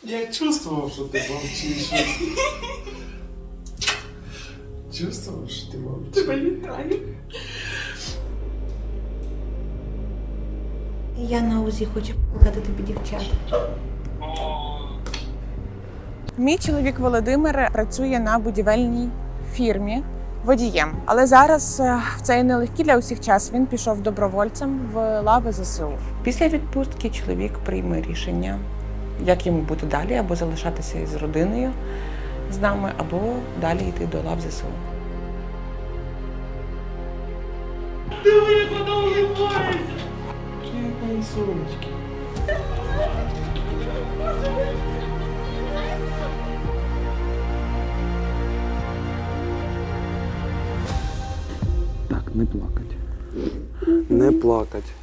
Я чувствовал, что ты молчишь. Чувствовал, что ты молчишь. Тебе вітаю. Я на УЗІ хочу показати тобі дівчат. Мій чоловік Володимир працює на будівельній фірмі водієм. Але зараз в цей нелегкий для усіх час він пішов добровольцем в лави ЗСУ. Після відпустки чоловік прийме рішення, як йому бути далі, або залишатися із родиною з нами, або далі йти до лав ЗСУ. Привет, мои солнышки. Так, не плакать. Не плакать.